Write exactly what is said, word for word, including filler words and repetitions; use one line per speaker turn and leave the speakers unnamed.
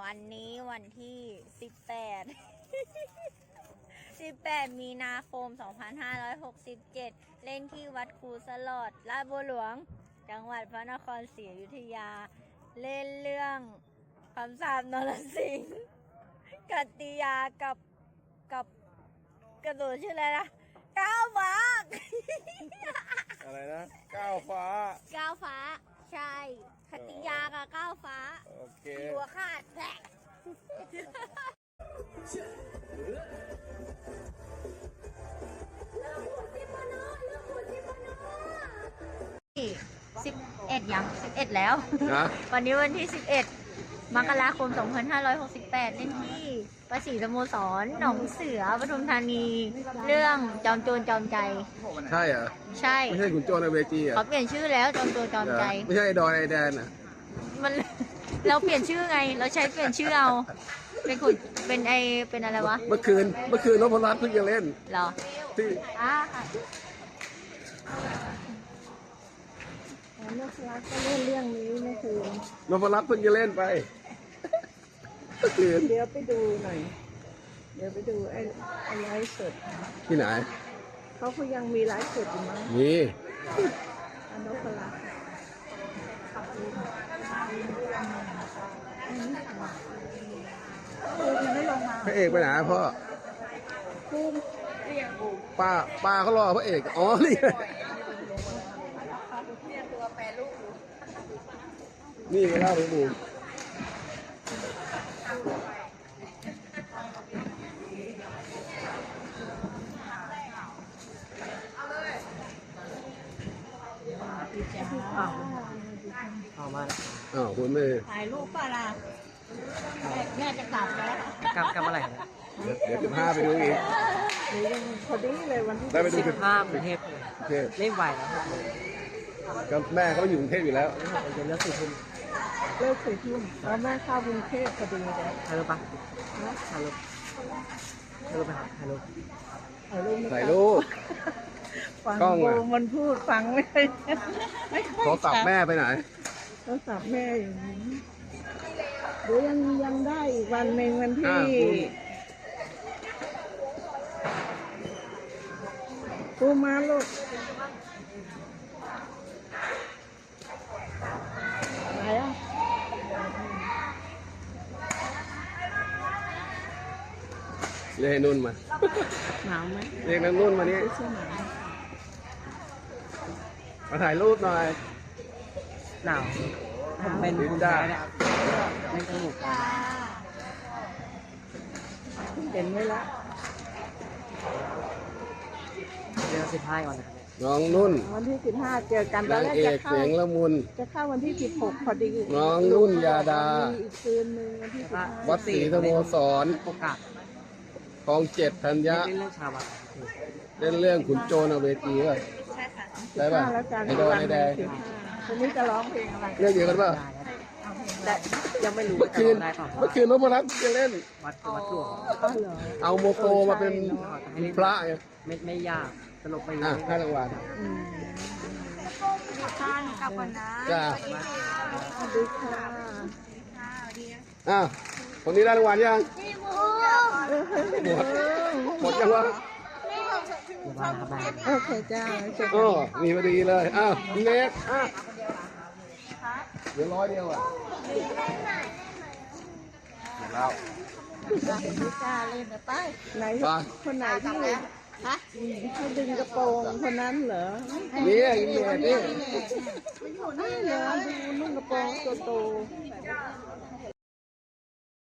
วันนี้วันที่สิบแปด สิบแปดมีนาคมสองพันห้าร้อยหกสิบเจ็ดเล่นที่วัดครูสลอดลาดบัวหลวงจังหวัดพระนครศรีอยุธยาเล่นเรื่องคำสาปนรสิงห์กัตติยากับกับกระโดดชื่ออะไรนะก้าวฟ้า
อะไรนะก้าวฟ้า
ก้าวฟ้าใช่กัตติยากับก้าวฟ้า
โอเค
หัวขาดแหละสิบเอ็ดยังสิบเอ็ดแล้ว
นะ
วันนี้วันที่สิบเอ็ดมกราคมสองพันห้าร้อยหกสิบแปดเล่นที่ประสีสโมสรหนองเสือปทุมธานี เรื่องจอมโจรจอมใจ
ใช่เหรอ
ใช่
ไม่ใช่ขุนโจรในเวจีเหรอ
เขาเปลี่ยนชื่อแล้วจอมโจรจอมใจ
ไม่ใช่ไอดอนไอแดนอ่ะ
มัน เราเปลี่ยนชื่อไง เราใช้เปลี่ยนชื่อเอา เป็นขุนเป็นไอเป็นอะไรวะ
เมื่อคืนเมื่อคืนนพรัตน์เพิ่งจะเล่น
เหรอ
ที่
อ่าค่ะ
นกรักก็เล่นเรื่องนี้เมื่อคืน
นพรัตน์เพิ่งจะเล่นไปเมื่อคืน
เดี๋ยวไปดูหน่อย เดี๋ยวไปดูไอ้ไอ้ไลฟ์สด
ที่ไหน
เขาก็ยังมีไลฟ์สดอยู่มั้ง
มี
อันนกรักไม่ลงมา
พระเอกไปไหนพ่อ
ภูมิ
ป้าป้าเขารอพระเอกอ๋อนี่ไงนี่ไงเล่าไปบูมอ้าวคุณไม่
ถ่ายรูปป่ะล่ะแม่แม่จะกลับแล้ว
กลับกลับเมื่อไหร่ครับ
เดี๋ยวเดี๋ยวสิบห้าไปดูอีก
หรือยังพอดีเลยวันที่
ได้ไปดู
สิ
สิ
บห้ากรุงเทพ
โอเค
เล่นไหวแล้วครับ
ก็แม่เขาอยู่กรุงเทพอยู่แล้ว
เดี๋ยวเลิกสี่ทุ่ม
เลิกสี่ทุ่มแล้วแม่เข้ากรุงเทพพอดีเลย
ถ่ายรูปปะถ่ายรูปถ่ายรูปไปครับถ่ายรูป
ถ่ายรูปไม่
ถ่าย
กลับ
รูป
ฟัง
กล้อง
โบ
อะ
มันพูดฟังไม่ได้ไม่ค่อย
โทรศัพท์แม่ไปไหน
โทรศัพท์แม่อยู่นี้เดี๋ยวยังยังได้อีกวันหนึ่งวันที่
อ่าคุณ
ปูมาลูกไหนอ่ะ
เรียกให้นุ่นมา
หนาวไหม
เรียกนางนุ่นมานี่
เสื้อหนาว
มาถ่ายรูปหน่อย
หนาวผมเป็นภูมิแพ้เนี่ยเล่นสนุกกัน
เห็นไว้ละ
เดือนสิบห้าก่อนนะครับ
น้องนุ่น
วันที่สิบห้าเจอกันตอน
นาง
แรก
เอ
จะ
ก
เข้า
เสียงละมุน
จะเข้าวันที่สิบหกพอดี
น้องนุ่นยาดา
มีอีกคืนหนึ่งวันที่สิบห้า
วัดศรีสโมสร
โอกาส
คลองเจ็ดธัญญะ
เล่นเรื่องชาวบ้าน
เล่นเรื่องขุนโจรเอาเวทีป่ะ
ใช่ค่ะ
ได้ป่ะ
แล้วกัน
ไอดอนไอแดง
สิบห้าคนนี้จะร้องเพลงอะไร
เรื่องเดียวกันป่ะ
ได้ยังไม่รู้
เมื่อคืน
ได้เปล่า
เมื่อคืนนพรัตน์จะเล่น
วัดวัดหลวง
อ๋อเหรอ
เอาโมโกมาเป็นพระไง
ไม่ไม่ยากสนุกไปเย
อ่ะ
อะ
ให้รางวัล
อืม
ท่านกลับก่อนนะ
จ้า
สวัสดีค่ะ
อ่ะคนนี้ได้รางวัลยัง
พี่มู
หมดหมดยังวะ
เดี๋ยวมาครับมา
โอเคจ้าเจอ
อ๋
กั
อน มีพอดีเลยอ้าวเน็กอ่ะเดี๋ยวร้อยเดียวอ่ะแล้ว
ไม่กล้าเล่นนะไปไหน
ไป
คนไหนที่ฮะเขาดึงกระโปรงคนนั้นเหรอ
นี่อินเดียนี่
ไม่เหรอดูนุ่งกระโปรงโตๆ